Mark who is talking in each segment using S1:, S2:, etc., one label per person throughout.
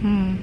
S1: อืม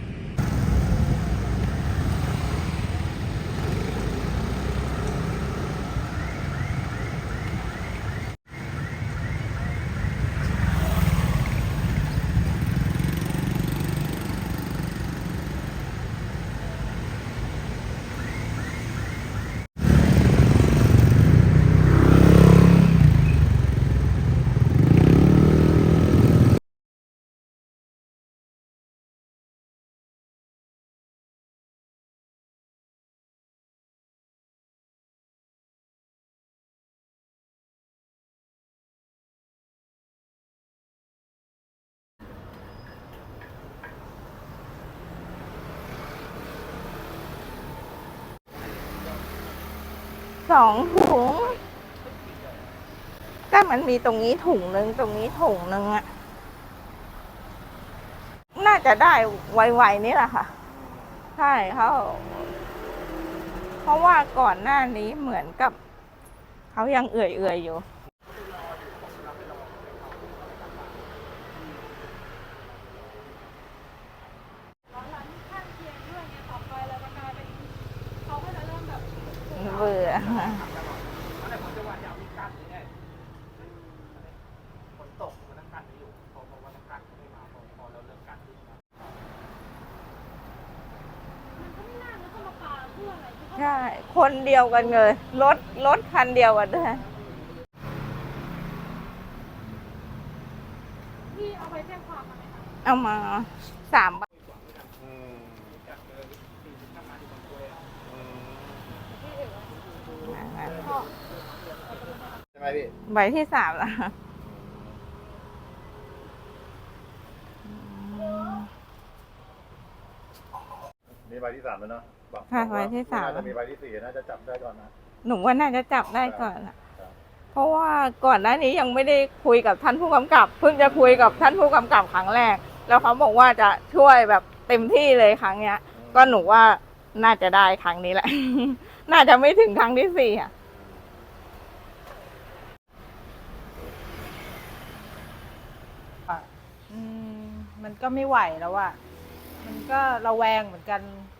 S1: 2 ถุงก็มันมีตรงนี้ถุงหนึ่งตรงนี้ถุงหนึ่งอะน่าจะได้ไวๆนี่แหละค่ะใช่เพราะว่าก่อนหน้านี้เหมือนกับเขายังเอื่อยๆอยู่เบื่อใช่คนเดียวกันเลยรถคันเดียวกันด้วย
S2: พี่เอาไปแจ้งความมาไหมคะ
S1: เอามา3 ใบ
S3: ใช่ไหมพี่
S1: ใบที่ 3แล้ว
S3: มีใบที่ 3แล้วเนาะ
S1: ค่ะใบที่ 3
S3: น่าจะมีใบที่ 4น่าจะจับได้ก่อนนะ
S1: หนูว่าน่าจะจับได้ก่อนอะเพราะว่าก่อนหน้านี้ยังไม่ได้คุยกับท่านผู้กำกับเพิ่งจะคุยกับท่านผู้กำกับครั้งแรกแล้วเขาบอกว่าจะช่วยแบบเต็มที่เลยครั้งเนี้ยก็หนูว่าน่าจะได้ครั้งนี้แหละ น่าจะไม่ถึงครั้งที่ 4อ่ะ
S4: มันก็ไม่ไหวแล้วอะมันก็ระแวงเหมือนกัน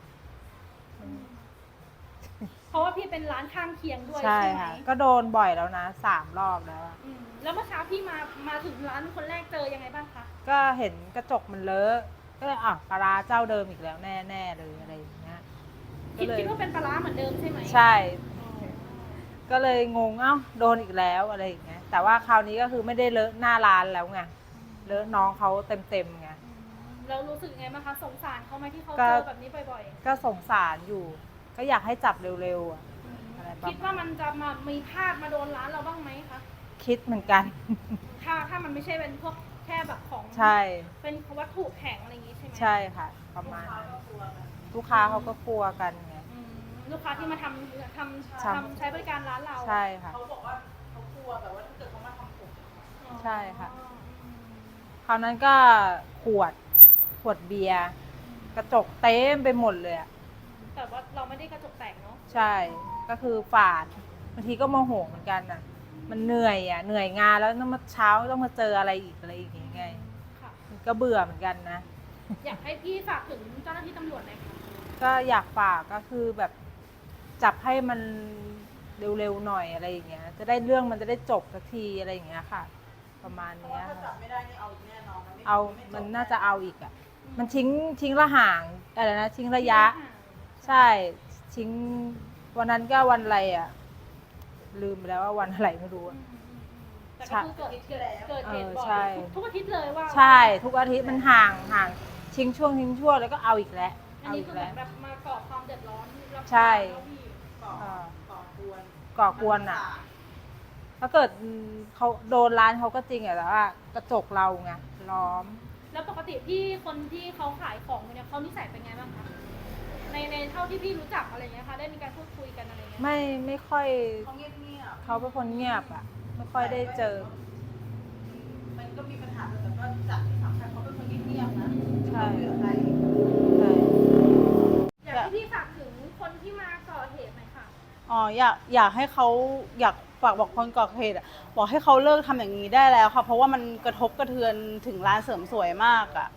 S2: เพราะว่าพี่เป็นร้านข้างเคียงด้วย
S4: ใช่
S2: ใช่ไหม
S4: ค่ะ ก็โดนบ่อยแล้วนะ3 รอบแล้วอะ
S2: แล้วเมื่อเช้าพี่มาถึงร้านคนแรกเจอยังไงบ้างคะ
S4: ก็เห็นกระจกมันเลอะก็เลยปลาร้าเจ้าเดิมอีกแล้วแน่ๆเลยอะไรอย่างเงี้ยก็เลย
S2: คิดว่าเป็นปลาร้าเหมือนเดิมใช่ไหม
S4: ใช่ ก็เลยงงโดนอีกแล้วอะไรอย่างเงี้ยแต่ว่าคราวนี้ก็คือไม่ได้เลอะหน้าร้านแล้วไงเลอะน้องเขาเต็มไง
S2: เรารู้สึกยังไงบ้างคะสงสารเขาไหมที่เขา
S4: ก็
S2: เจอแบบนี้บ่อย
S4: ก็สงสารอยู่ ก็อยากให้จับเร็วๆอะอะไรประ
S2: ๆ คิดว่ามันจะมามีพลาดมาโดนร้านเราบ้างไหมคะ
S4: คิดเหมือนกัน
S2: ถ้ามันไม่ใช่เป็นพวกแค่แบบของ
S4: ใช่
S2: เป็นวัตถุแข็งอะไรอย่างงี้ใช่ไหม
S4: ใช่ค่ะ ประมาณนั้นลูกค้าเขาก็กลัวกันไง
S2: ลูกค้าที่มาใช้บริการร้านเรา
S4: ใช่ค่ะ
S5: เขาบอกว่าเขากลัวแบบว่าถ้าเกิดเขามาทำผม
S4: ใช่ค่ะ คราวนั้นก็ขวดเบียร์กระจกเต็มไปหมดเลยอะ
S2: แต่ว่าเราไม่ได้กระจกแตกเนาะ
S4: ใช่ ก็คือฝาดบางทีก็โมโหเหมือนกันอะมันเหนื่อยงานแล้วต้องมาเช้าต้องมาเจออะไรอีกอย่างไง
S2: ค่ะ
S4: มันก็เบื่อเหมือนกันนะ
S2: อยากให้พี่ฝากถึงเจ้าหน้าที่ตำรวจหน่อยค่ะ
S4: ก็อยากฝากก็คือแบบจับให้มันเร็วๆหน่อยอะไรอย่างเงี้ย จะได้เรื่องมันจะได้จบสักทีอะไรอย่างเงี้ยค่ะ ประมาณ
S5: เพราะ
S4: เนี้
S5: ว่าย ถ้าจับไม่ได้นี่เอาอีกแน่นอนนะ
S4: เอา
S5: ไจบ
S4: มันน่าจะเอาอีกอ่ะ มันทิ้งระห่างอะไรนะทิ้งระยะ ใช่ทิ้งวันนั้นก็วันอะไรอ่ะ ลืมไปแล้วว่าวันอะไรไม่รู้อะ
S2: แต่ก็คือเกิดเหตุบ่อ
S4: ใช่
S2: ยทุกอาทิตย์เลยว่า
S4: ใช่ทุกอาทิตย์มันห่างทิ้งช่วงแล้วก็เอาอีกแล้ว
S2: อันนี้คือเหมือนแบบมาก่อความเดือดร้อนรับ
S4: ใช่
S2: แล้วพี่
S5: ก่อกวน
S4: ก่อกวนอ่ะ ถ้าเกิดเขาโดนร้านเขาก็จริงอะแต่ว่ากระจกเราไงล้อม
S2: แล้วปกติพี่คนที่เขาขายของเนี่ยเขานิสัยเป็นไงบ้างคะในเท่าที่พี่รู้จักอะไรเงี้ยค่ะได้มีการพูดคุยกันอะไรเงี้ย
S4: ไม่ค่อย
S5: เขาเงียบเงียบ
S4: เขาเป็นคนเงียบอ่ะ ไม่ค่อยได้เจอ
S5: มันก็มีปัญหาแต่ก็จากที่สัมผัสเขาเป็นคนเงียบๆนะ
S4: ใช่
S5: ไม่คุยกับใคร
S4: ใช่
S2: อยากให้พี่ฝากถึงคนที่มาก่อเหตุหน่อยค่ะ
S5: อ๋ออยากให้เขาอยากฝากบอกคนก่อเหตุอะบอกให้เขาเลิกทำอย่างนี้ได้แล้วค่ะเพราะว่ามันกระทบกระเทือนถึงร้านเสริมสวยมากอะ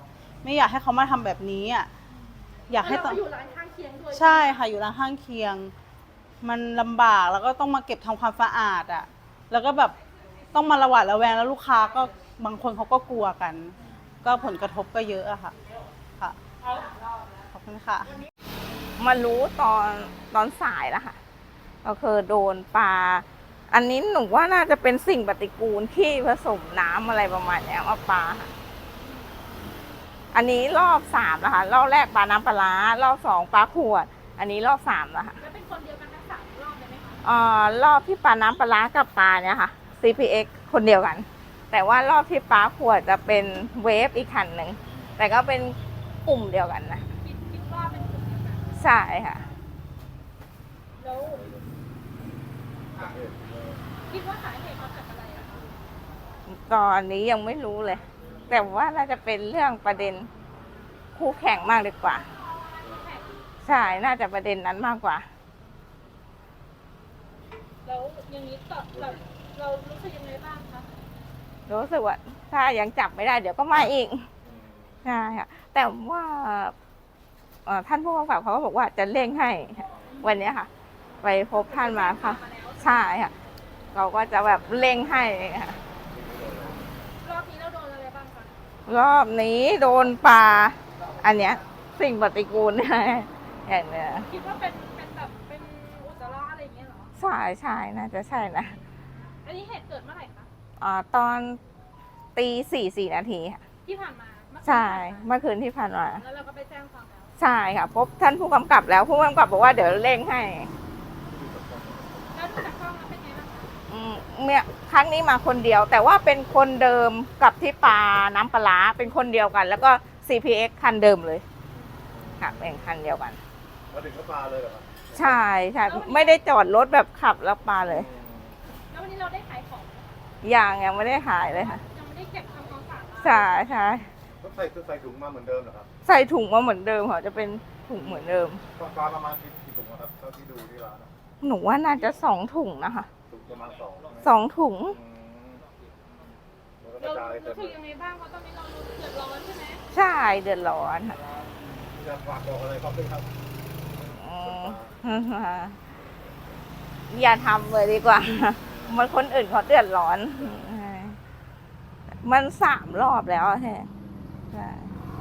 S5: ไม่อยากให้เขามาทำแบบนี้อ่ะอยากให้
S2: แล้วเราก็อยู่ร้านข้างเคียงด้วย
S5: ใช่ค่ะอยู่ร้านข้างเคียง มันลำบากแล้วก็ต้องมาเก็บทำความสะอาดอ่ะแล้วก็แบบต้องมาระหวาดระแวงแล้วลูกค้าก็บางคนเขาก็กลัวกัน ก็ผลกระทบก็เยอะอะค่ะค่ะขอบคุณค่ะ
S1: มารู้ตอนสายแล้วค่ะก็คือโดนปลาอันนี้หนูว่าน่าจะเป็นสิ่งปฏิกูลที่ผสมน้ำอะไรประมาณเนี้ยมาปลาค่ะอันนี้รอบ3แล้วค่ะรอบแรกปลาน้ำปลาร้ารอบ2ปลาขวด อันนี้รอบ3แล้วค่ะ
S2: แล้วเป็นคนเดียวกันทั้ง3รอบเลยไหมคะ
S1: รอบที่ปลาน้ำปลาร้ากับปลาเนี่ยค่ะ CPX คนเดียวกัน แต่ว่ารอบที่ปลาขวดจะเป็นเวฟอีกคันหนึ่งแต่ก็เป็นกลุ่มเดียวกันนะ
S2: คิดว่าเป็นกลุ่มเดียวกัน
S1: ใช่ค่ะ
S2: แล้วคิดว่าสาเหตุมาจากอะไรอะคะ
S1: ตอนนี้ยังไม่รู้เลย แต่ว่าน่าจะเป็นเรื่องประเด็นคู่แข่งมากดีกว่า ใช่น่าจะประเด็นนั้นมากกว่า
S2: แล้วอย่างนี้ต่อเรารู้สึกยังไงบ้างคะ
S1: รู้สึกว่าถ้ายังจับไม่ได้เดี๋ยวก็มาอีกใช่ค่ะแต่ว่าท่านผู้กำกับเขาก็บอกว่าจะเร่งให้วันนี้ค่ะ ไปพบท่านมาค่ะ ใช่ค่ะเราก็จะแบบเร่งให้ค่ะ
S2: รอบนี้เราโดนอะไรบ้างคะ
S1: รอบนี้โดนปลาอันเนี้ยสิ่งปฏิกูลเนี่ยอย่างเนี้ย
S2: คิดว่าเป็นแบบเป็นอุจจาระอะไรอย่างเงี้ยเหรอ
S1: ใช่น่าจะใช่นะ
S2: อันนี้เหตุเกิดเมื่อไหร่คะ
S1: ตอนตี4 นาทีค่ะ
S2: ที่ผ่านมาเมื่อคืน
S1: ใช่
S2: ที่ผ่านมา
S1: เมื่อคืนที่ผ่านมา
S2: แล้วเราก็ไปแจ้งความแล้ว
S1: ใช่ค่ะพบท่านผู้กำกับแล้วผู้กำกับบอกว่าเดี๋ยวเร่งให้
S2: แล้วดูจากกล้องแล้วเป็นไงบ้างคะ
S1: เนี่ยครั้งนี้มาคนเดียว แต่ว่าเป็นคนเดิมกับที่ปลาน้ำปลาร้าเป็นคนเดียวกัน แล้วก็ CPX คันเดิมเลยค่ะเป็นคันเดียวกัน
S3: มาถึงก็ปลาเลยเหรอครับ
S1: ใช่ไม่ได้จอดรถแบบขับแล้วปลาเลย
S2: แล้ววันนี้เราได้ขายของไหมคะ
S1: ยังไม่ได้ขายเลยค่ะ
S2: ยังไม่ได้เก็บทำความสะอาดร้าน
S1: ใช่
S3: ก็ใส่ถุงมาเหมือนเดิมเหรอครับ
S1: ใส่ถุงมาเหมือนเดิมค่ะจะเป็นถุงเหมือนเดิม
S3: ปลาประมาณกี่ถุงอะครับเท่าที่ดูที่ร้านอะ
S1: หนูว่าน่าจะ2 ถุงนะคะ
S3: ถุงประมาณ2
S1: ถุง
S3: แล้วก็ก
S2: เรา
S3: ระจายเต็ม
S2: รู้สึกยังไงบ้างเพราะตอนนี้เราเดือดร้อนใช่ไหม
S1: ใช่เดือดร้อนค่ะ
S3: จะฝากบอกอะไรครับด้วยครับ
S1: อืมอย่าทำเลยดีกว่า มันคนอื่นเขาเดือดร้อน มัน3 รอบแล้วใช่